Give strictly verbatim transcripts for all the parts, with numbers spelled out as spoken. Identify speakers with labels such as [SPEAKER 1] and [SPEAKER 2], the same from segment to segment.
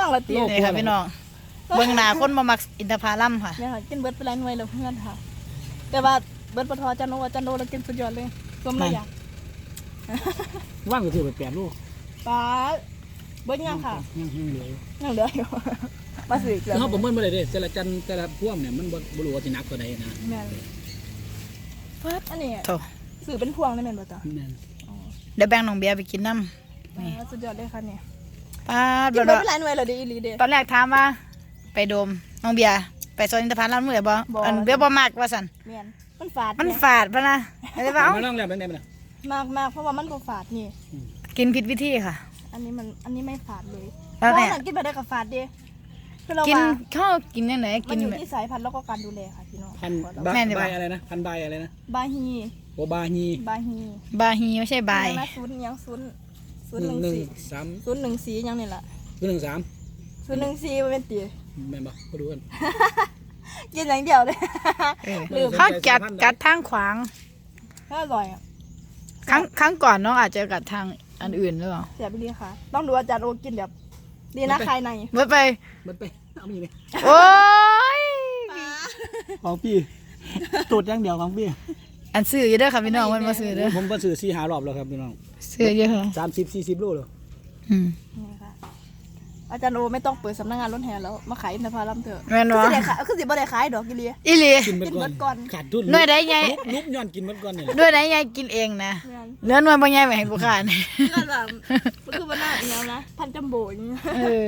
[SPEAKER 1] ฟังละตี
[SPEAKER 2] นี่ค่ะพี่น้องเบิ่งหน้าคนมามักอินทผลัมค่ะ
[SPEAKER 1] เนี่ยค่ะกินเบิร์ดไปหลายหน่วยแล้วเพื่อนค่ะแต่ว่าเบิร์ดปทอจันโนจันโนแล้วกินสุดยอดเลยรวมระยะ
[SPEAKER 3] ว่างก็ถือไปแปดลูก
[SPEAKER 1] ป้าเบิร์ดยังค่ะ
[SPEAKER 3] ยังยังเหลือ
[SPEAKER 1] ยังเหลืออยู่มาสื่อเกลือ
[SPEAKER 3] เขาประเมินมาเลยเด้แต่ละจันแต่ละพ่วงเนี่ยมันบ่รู้ว่าสิหนักกว่าใดนะ
[SPEAKER 1] แม่นเบิร์ดอันนี้
[SPEAKER 2] โถ
[SPEAKER 1] สื่อเป็นพวงได้แม่นบ่จ๊ะ
[SPEAKER 3] แม่น
[SPEAKER 2] เดี๋ยวแบ่งน้องเบียร์ไปกินน้ำนี่
[SPEAKER 1] สุดยอดเลยค่ะเนี่ย
[SPEAKER 2] ป้า
[SPEAKER 1] กิ
[SPEAKER 2] ด
[SPEAKER 1] นเบิร์ดไปหลายหน่วยแล้วดีอีหลีเด้
[SPEAKER 2] ตอนแรกถามว่าไปโดมน้องเบียร์ไปโซนอินทผลัมมื้อใดบ่อันเบียร์บ่มักว่าซั่น
[SPEAKER 1] แม่นมันฝาด
[SPEAKER 2] มัน
[SPEAKER 1] เนี่ย
[SPEAKER 2] ฝาดปะนะอะไรว่าเอ้า
[SPEAKER 3] มาลองแล้วเป็นไงบ้าง
[SPEAKER 1] มากมากเพราะว่ามันบ่ฝาดนี่
[SPEAKER 2] กินผิดวิธีค่ะ
[SPEAKER 1] อันนี้มันอันนี้ไม่ฝาดเลย
[SPEAKER 2] แล้ว
[SPEAKER 1] เพราะ
[SPEAKER 2] เนี่ย
[SPEAKER 1] ว่ากินไปได้กับฝาดเด้คือเรา
[SPEAKER 2] กิน
[SPEAKER 1] ว่า
[SPEAKER 2] ข้าวกินยังไง
[SPEAKER 1] มั
[SPEAKER 2] กิ
[SPEAKER 1] น
[SPEAKER 2] น
[SPEAKER 1] อยู่
[SPEAKER 2] แบบ
[SPEAKER 1] ที่สายพันธุ์แล้วก็การดูแลค่ะพี่น้อง
[SPEAKER 3] พัน
[SPEAKER 2] แม่นดีก
[SPEAKER 3] ใบ
[SPEAKER 2] ว่า
[SPEAKER 3] อะไรนะพันใบอะไรนะ
[SPEAKER 1] บาฮี
[SPEAKER 3] โอบาฮี
[SPEAKER 1] บาฮี
[SPEAKER 2] บาฮีไม่ใช่บาย
[SPEAKER 1] ยังนะศูนย์ยังศูนย์ศูน
[SPEAKER 3] ห
[SPEAKER 1] ย์ห
[SPEAKER 3] นึ่
[SPEAKER 1] นึ่
[SPEAKER 3] ง
[SPEAKER 1] ง
[SPEAKER 3] หนึ่ง
[SPEAKER 1] สี่
[SPEAKER 3] สาม
[SPEAKER 1] ศูนย์หนึ่งสี่ยังนี่แหละ
[SPEAKER 3] หนึ่งสาม
[SPEAKER 1] ศูนย์หนึ่งสี่มันเป็นตี
[SPEAKER 3] แม่นบ่ก็ดูกัน
[SPEAKER 1] กินอย่างเดียวเลย
[SPEAKER 2] เออ
[SPEAKER 1] ลืม
[SPEAKER 2] เขากัดกัดทางขวาง
[SPEAKER 1] ถ้าอร่อยอ่ะ
[SPEAKER 2] ครั้งครั้งก่อนน้องอาจจะกัดทางอันอื่นหรือเปล่า
[SPEAKER 1] เสียไปเลยค่ะ ต้องดูอาจารย์โอกินแบบดีนะใครใน
[SPEAKER 2] เมื่อไป
[SPEAKER 3] มันไปเอามีไหม
[SPEAKER 2] โอ้ย
[SPEAKER 3] ของพี่ตูดอย่างเดียวของพี่
[SPEAKER 2] อันซื้อเยอะเด้อค่ะพี่น้องมันมาซื้อเด้อ
[SPEAKER 3] ผมก็ซื้อสี่หารอบแล้วครับพี่น้อง
[SPEAKER 2] ซื้อเยอะค่ะ
[SPEAKER 3] สามสิบสี่สิบโลเลย
[SPEAKER 2] อืม
[SPEAKER 1] นี่ค่ะอาจารย์โอไม่ต้องเปิดสำนักงานรถแห่แล้วมาขายอินทผลัมเถอะ
[SPEAKER 2] แม่น
[SPEAKER 1] คือ
[SPEAKER 2] วะ
[SPEAKER 1] สิได้ขายคือสิบ่ได้ขายดอกกิเลีย
[SPEAKER 2] อีหลี
[SPEAKER 3] กินหมด
[SPEAKER 1] กินหมดก่
[SPEAKER 3] ก่
[SPEAKER 1] อ
[SPEAKER 3] อน นขาดทุน
[SPEAKER 2] หน่วยใดใหญ่
[SPEAKER 3] ลุกย้อนกินหมดก่อนเนี่ย
[SPEAKER 2] ด้วยไหนยายกินเองนะเหลือหน่วยบ่ใหญ่ไว้ให้ผู้ค้านี่
[SPEAKER 1] ก็แบบมันคือมันน่าอย่างนี้นะพันจัมโบ้อย่างนี้
[SPEAKER 2] เออ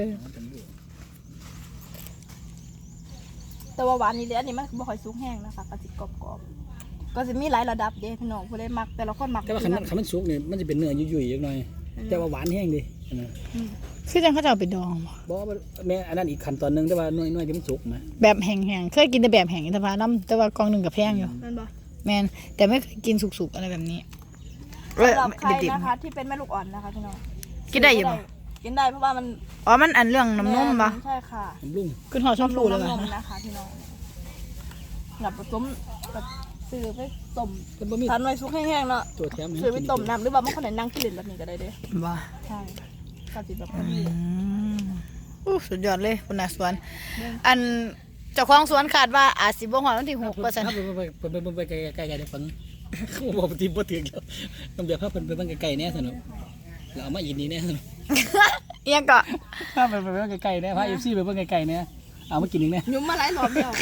[SPEAKER 1] แต่ว่าหวานนี่เด้อันนี้มันบ่ค่อยสุกแห้งนะคะก็สิกรอบๆก็สิมีหลายระดับเด้พี่น้องผู้ใดมักแต่ละคนมัก
[SPEAKER 3] แต่ว่าขันมันขันมันสุกเนี่ยมันจะเป็นเนื้อยุ่ยๆอย่างหน่อยแต่ว่าหวานแห้งดิอันนั้น
[SPEAKER 2] คือจังเขาจะเอาไปดองบ่
[SPEAKER 3] บอกว่าแม่อันนั้นอีกขั้นตอนหนึงแต่ว่าหน่วยหน่วยที่มันสุกนะ
[SPEAKER 2] แบบแห้งๆเคยกินแต่แบบแห้งอินทผลัมแต่ว่ากล่องหนึงก็แพงอยู่
[SPEAKER 1] นั่นบ่
[SPEAKER 2] แม่นแต่ไม่เคยกินสุกๆอะไรแบบนี้เออ
[SPEAKER 1] สำหรับใคร
[SPEAKER 2] ดิบ
[SPEAKER 1] นะคะที่เป็นแม่ลูกอ่อนนะคะพี่น้อง
[SPEAKER 2] ๆกินได้อยู่บ่
[SPEAKER 1] กินได้เพราะว่ามัน
[SPEAKER 2] อ๋อมันอันเรื่องน้ำนมปะ
[SPEAKER 1] ใช่ค่ะ
[SPEAKER 3] ผมลุง
[SPEAKER 2] ขึ้นหอดช่องฟูเลย
[SPEAKER 1] น้ำน
[SPEAKER 2] ปะ
[SPEAKER 1] มนะคะพี่น้องหลับผสมกับซื้อไปต้ม
[SPEAKER 3] เป็นบะหมี่
[SPEAKER 1] ทานไว้สุกแห้งๆเนาะ
[SPEAKER 3] ตัวแถมให้
[SPEAKER 1] ซื้อไป
[SPEAKER 3] กิน
[SPEAKER 1] ต้มน้ำหรือว่าบางคนไหนนั่งกินแบบนี้ก็ได้เด้
[SPEAKER 2] บ่
[SPEAKER 1] ใช่ก็สิแบบ
[SPEAKER 2] อืมอู้สุดยอดเลยคุณนาสวน อันเจ้าของสวนคาดว่าอาจสิบ่ฮอดวันที่หกเปอร์เซ็นต์
[SPEAKER 3] ไปไปไปไปไปไกลไกลไกลเดี๋ยวฟังเขาบอกปฏิบัติถึงแล้วต้องเบียร์ภาพเป็นไปบ้างไกลๆแน่สนุกเราเอามาอินนี่แน่สนุก
[SPEAKER 2] เอียงก็
[SPEAKER 3] ภาพเป็นไปบ้างไกลๆแน่ภาพเอฟซีไปบ้างไกลๆแน่เอามากินอีกแน่
[SPEAKER 1] ยุ่มมาหลายรอบแล้ว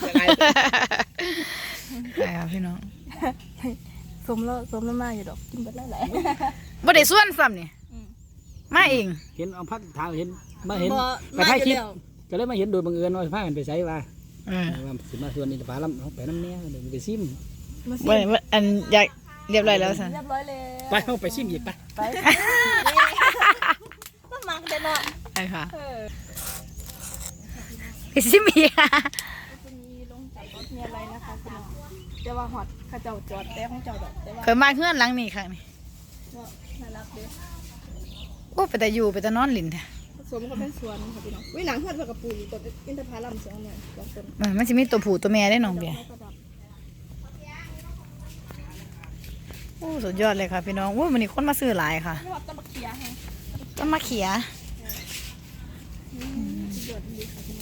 [SPEAKER 2] ใช่ครับพี่น้อง
[SPEAKER 1] สมแล้วสมแล้วมาอยู่ดอกกินไปหลาย
[SPEAKER 2] บ่ได้ส่วนซ้ำนี่
[SPEAKER 1] อืม
[SPEAKER 2] มาเอง
[SPEAKER 3] เห็นเอาพักทางเห็นมาเห็น
[SPEAKER 1] บ่
[SPEAKER 3] ไป
[SPEAKER 1] มา
[SPEAKER 3] ถ่าย
[SPEAKER 1] อ
[SPEAKER 3] คลิ
[SPEAKER 1] ยู่
[SPEAKER 3] ป
[SPEAKER 1] แล้ว
[SPEAKER 3] ก็เลยมาเห็นโดยบังเอิญว่าพากันไปใช้ว่า
[SPEAKER 2] เออ
[SPEAKER 3] ว่าสิมาส่วนอินทผลัมเอาไปน้ำแน่เดี๋ยวไปซิม
[SPEAKER 1] มาสิ
[SPEAKER 2] บ่ได้บ่อันอยากเรียบร้อยแล้วซั่น
[SPEAKER 1] เรียบร้อยเลย
[SPEAKER 3] ไปเอาไปซิมอีกไป
[SPEAKER 1] ไปต้องมากันเนาะ
[SPEAKER 2] ใช่ค่ะ
[SPEAKER 1] เออ
[SPEAKER 2] พี่ซิมี
[SPEAKER 1] จะมีลงจากรถมีอะไรนะคะคุณน้องแต่ว่าฮอดเขาเจ้าจอดแต่ของเจ้าดอกแต่ว่า
[SPEAKER 2] เคยมาเฮือนหลังนี้ครั้งนี้
[SPEAKER 1] ก็น่ารักเด้
[SPEAKER 2] โอ้ไปแต่อยู่ไปแต่นอนลิ้นแท้
[SPEAKER 1] สวนมันก็เป็นสวนค่ะพี่น้องวิหนังเพื่อนเพื่อนกับปุ๋ยต้นอินทผลัมสองเนี่ยสองต้น
[SPEAKER 2] เออมันสิมีตัวผู้ตัวแม่ได้น้องเบียร์โอ้สุดยอดเลยค่ะพี่น้องโอ้วันนี้คนมาซื้อหลายค่ะ
[SPEAKER 1] นี่ว่าต้นมะเขียแฮง
[SPEAKER 2] ต้นมะเขีย
[SPEAKER 1] สุดยอดดีค่ะพี่น้อง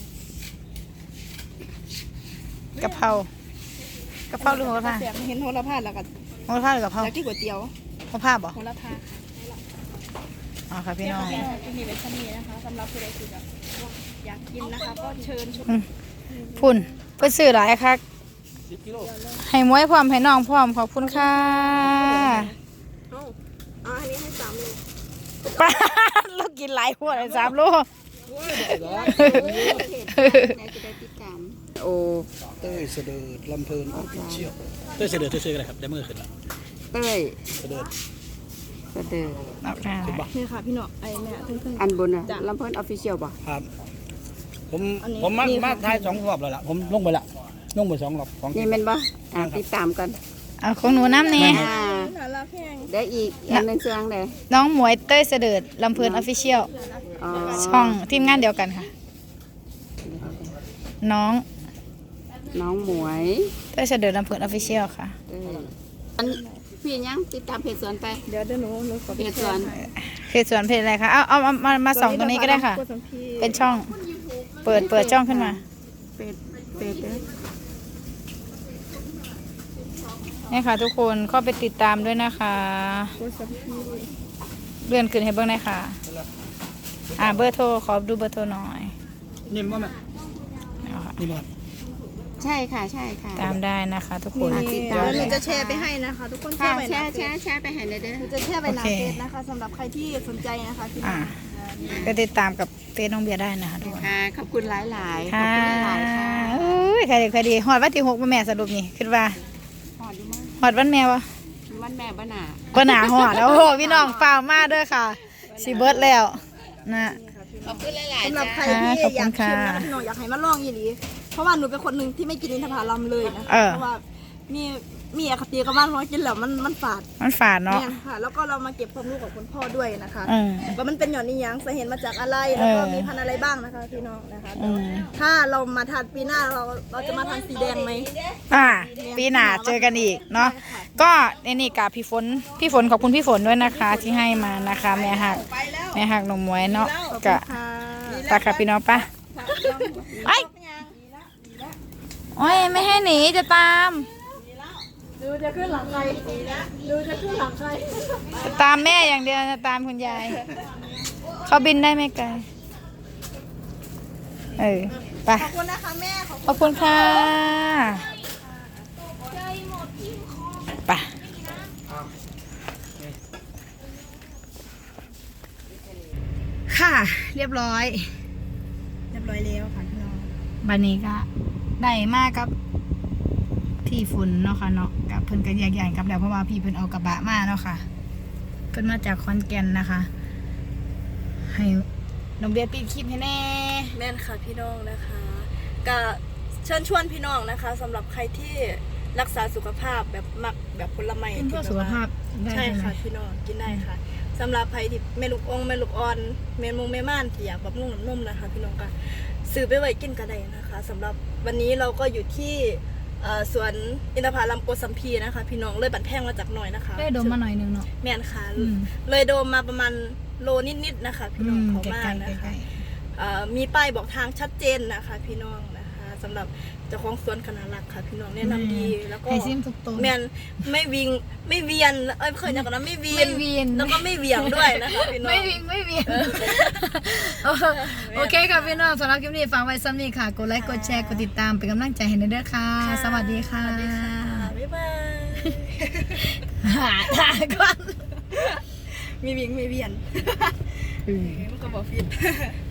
[SPEAKER 2] กะเพรากะเพราหรือโหระพา
[SPEAKER 1] แสบเห็นโหระพาแล้วก็
[SPEAKER 2] โหระพาหรือกะเพรา
[SPEAKER 1] อยากกินก๋วยเตี๋ยว
[SPEAKER 2] โหระพาบ่
[SPEAKER 1] โหระพา
[SPEAKER 2] อ๋อค่ะพี่น้อง
[SPEAKER 1] เนี่ยค่ะที่นี่เป็นชนีนะคะสำหรับผู้ใดที่แบบอยากกินนะคะ ก็เชิญชม
[SPEAKER 2] อืมพุ่นเพิ่นซื้อหลายคักให้มวยพร้อมให้น้องพร้อมขอบคุณค่ะ
[SPEAKER 1] เอ้าอ่าอันนี้ให้สามโล
[SPEAKER 2] ป้าดเรากินหลายหัวเลยสามโล
[SPEAKER 4] โอ้
[SPEAKER 3] เต้ยเสด็จลำเพลินออฟฟิเชียลเต้ยเสด็จเต้ยๆกันเลยครับได้เมื่อคืนแล้ว
[SPEAKER 4] เต้ย
[SPEAKER 3] เสด็จ
[SPEAKER 4] เสด็จ
[SPEAKER 2] เอาค่ะ
[SPEAKER 1] นี่ค่ะพี่หนอไอ้เนี่ยเพิ่ง
[SPEAKER 4] อันบนน่ะลำเพิ่นออฟฟิเชียลป่ะ
[SPEAKER 3] ครับผม
[SPEAKER 1] อันนี้
[SPEAKER 3] ผมมา
[SPEAKER 1] นี่ค่ะ
[SPEAKER 3] มาถ่ายสองรอบแล้วล่ะผมลงไปละลงไปสองรอบสอง
[SPEAKER 4] นี่แม่นป่ะอ่าติดตามกัน
[SPEAKER 2] เอาของหนูน้ำนี่
[SPEAKER 4] อ่า
[SPEAKER 1] น่ารักแห้ง
[SPEAKER 4] ได้อีกอันหนึงเสียงได้
[SPEAKER 2] น้องหมวยเต้ยเสด็จลำเพลินออฟฟิเชียล
[SPEAKER 4] อ๋อ
[SPEAKER 2] ช่องทีมงานเดียวกันค่ะ น้อง
[SPEAKER 4] น้องหมวย
[SPEAKER 2] เต้ยเสด็จลำเพลินออฟฟิเชียลค่ะ
[SPEAKER 4] เต้ยอันพี่ยังติดตามเพจสวนไป
[SPEAKER 1] เดี๋ยวเดี๋ยวหนูหนูขอ
[SPEAKER 4] เพจสวน
[SPEAKER 2] เพจสวนเพจอะไรคะเอาเอาเอามามาส่องตรงนี้ก็ได้ค่ะ เป็นช่อง เปิดเปิดช่องขึ้นมา
[SPEAKER 4] เพจเพจเด้อ
[SPEAKER 2] นี่ค่ะ ทุกคนเข้าไปติดตามด้วยนะคะเลื่อนขึ้นให้เบิ้งได้ค่ะ อ่าเบอร์โทรขอดูเบอร์โทรหน่อย
[SPEAKER 3] นิ่มบ่แม่
[SPEAKER 2] เอาค่ะ
[SPEAKER 3] นิ่มบ่
[SPEAKER 4] ใช่ค่ะใช่ค่ะ
[SPEAKER 2] ตามได้นะคะ ทุกคน
[SPEAKER 1] นี่
[SPEAKER 4] ติด
[SPEAKER 1] เดี๋
[SPEAKER 4] ตาม
[SPEAKER 1] ยวหนู
[SPEAKER 4] เลย
[SPEAKER 1] จะแชร์ไปให้นะคะ ทุกคนแช
[SPEAKER 4] ค่ะ
[SPEAKER 1] ร์ไป
[SPEAKER 4] แช
[SPEAKER 1] นะ
[SPEAKER 4] ร์แชร์แชร์ไปให้เลยเด้อ
[SPEAKER 1] หนูจะแชร์ไปหน้า
[SPEAKER 2] โอเค
[SPEAKER 1] เฟซนะคะสำหรับใครที่สนใจนะคะที่
[SPEAKER 2] อ่าก็ติดตามกับเฟซน้องเบียร์ได้นะคะทุกคน
[SPEAKER 4] ค่ะขอบคุณหลายหลายๆขอบ
[SPEAKER 2] ค่ะ
[SPEAKER 4] คุณหลายๆค่ะ
[SPEAKER 2] อุ้ยใครดีใครดีหอดวันที่หกแม่สรุปนี่คิดว่า
[SPEAKER 4] หอดอยู่มั้ง
[SPEAKER 2] หอดวันแม่วะ
[SPEAKER 4] วันแม่บ้านหนา
[SPEAKER 2] ก็หนาหอดแล้วโอ้โหพี่น้องฟาวมากเด้อค่ะสีเบิร์ดแล้วนะ
[SPEAKER 4] ขอบคุณหลายๆ
[SPEAKER 1] สำหรับใคร
[SPEAKER 2] ค่ะ
[SPEAKER 1] ที่
[SPEAKER 2] ขอบ
[SPEAKER 1] อ
[SPEAKER 2] คุ
[SPEAKER 1] ยาก
[SPEAKER 2] ณค่ะ
[SPEAKER 1] ชิมนะคะพี่น้องอยากให้มาลองอีหลีเพราะว่าหนูเป็นคนหนึ่งที่ไม่กินอินทผลัมเลยนะ
[SPEAKER 2] เอ
[SPEAKER 1] คะ
[SPEAKER 2] อ
[SPEAKER 1] เพราะว่ามีมีอคติกับมันเพราะว่ากินแล้วมันมันฝาด
[SPEAKER 2] มันฝาดเนาะ
[SPEAKER 1] เนี่ยค่ะ แล้วก็เรามาเก็บความรู้กับคุณพ่อด้วยนะคะ
[SPEAKER 2] อืม
[SPEAKER 1] ว่ามันเป็นหย่อนนิยังสาเหตุมาจากอะไรแล้วก็
[SPEAKER 2] เออ
[SPEAKER 1] มีพันธุ์อะไรบ้างนะคะพี่น้องนะคะ
[SPEAKER 2] อืม
[SPEAKER 1] ถ้าเรามาทานปีหน้าเราเราจะมาทานสีแดงไหม
[SPEAKER 2] อ่าปีหน้าเจอกันอีกเนาะก็ในนี่กับพี่ฝนพี่ฝนขอบคุณพี่ฝนด้วยนะคะ ที่ให้มานะคะแม่หักแม่หักหนมมวยเนาะกะ
[SPEAKER 1] ค่ะ
[SPEAKER 2] ตาค่ะพี่น้องปะไอ้โอ้ยไม่ให้หนีจะตาม
[SPEAKER 1] ดูจะขึ้นหลังใครดูจะขึ้นหลังใคร
[SPEAKER 2] จะตามแม่อย่างเดียวจะตามคุณยายเขาบินได้ไหมไกลเออไป
[SPEAKER 1] ขอบคุณนะคะแม่ขอบ
[SPEAKER 2] ขอบคุณค่ะไปค่ะ เรียบร้อย
[SPEAKER 1] เรียบร้อยแล้วค่ะพี่น้อง
[SPEAKER 2] บันนี้ก็ได้มากกับพี่ฝนเนาะค่ะเนาะกับเพิ่นก็แยกย้ายกลับแล้วเพราะว่าพี่เพิ่นเอากระบะมาเนาะค่ะเพิ่นมาจากขอนแก่นนะคะ ให้น้องเบียร์ปิดคลิปให้แน่
[SPEAKER 1] แม่นค่ะพี่น้องนะคะก็เชิญชวนพี่น้องนะคะสำหรับใครที่รักษาสุขภาพแบบมักแบบผลไม้
[SPEAKER 2] เป็นเพื่อสุขภาพได้
[SPEAKER 1] ใช่
[SPEAKER 2] ใช่ไหม
[SPEAKER 1] ค่ะพี่น้องกินได้ค่ะสำหรับใครที่แม่ลูกองแม่ลูกอ่อนแม่มงแม่ม่านที่อยากบำรุงน้ำนมนะคะ พี่น้องก็ซื้อไปไว้กินก็ได้นะคะสำหรับวันนี้เราก็อยู่ที่เอ่อสวนอินทผลัมโกสัมพีนะคะ พี่น้องเลยบันแพงมาจากหน่อยนะคะ
[SPEAKER 2] ได้ดมมาหน่อยนึงเนาะ
[SPEAKER 1] แม่นค่ะ
[SPEAKER 2] อืม
[SPEAKER 1] เลยโดมมาประมาณโลนิดๆนะคะ พี่น้องเขา
[SPEAKER 2] ใก
[SPEAKER 1] มา
[SPEAKER 2] ล้
[SPEAKER 1] ก
[SPEAKER 2] ๆ
[SPEAKER 1] นะ
[SPEAKER 2] ใก
[SPEAKER 1] คะ
[SPEAKER 2] ล้
[SPEAKER 1] เอ่อมีป้ายบอกทางชัดเจนนะคะ พี่น้องนะคะสำหรับเจ้าของสวนคณะรักค่ะ พี่น้อง
[SPEAKER 2] ๆ
[SPEAKER 1] แนะนำดีแล้วก็
[SPEAKER 2] ให้ซิมทุกตัว
[SPEAKER 1] แมนไม่วิงไม่เวียนเอ้ยเคยอย่างกันนะไม่เวีย
[SPEAKER 2] ไม่
[SPEAKER 1] น
[SPEAKER 2] เวียน
[SPEAKER 1] แล้วก็ไม่เวียงด้วยนะคะพี่น้อง
[SPEAKER 2] ไม่วิ่งไม่เวียนโอเคค่ะพี่น้องสำหรับคลิปนี้ฝากไว้ซ้ำนี้ค่ะกดไลค์กดแชร์กดติดตามเป็นกำลังใจให้เด้อค่ะ สวัสดีค่ะ
[SPEAKER 1] สวัสดีค่ะบ๊ายบาย
[SPEAKER 2] หาทางก่อน
[SPEAKER 1] มีวิงไม่เวียนมันก็บอกฟิต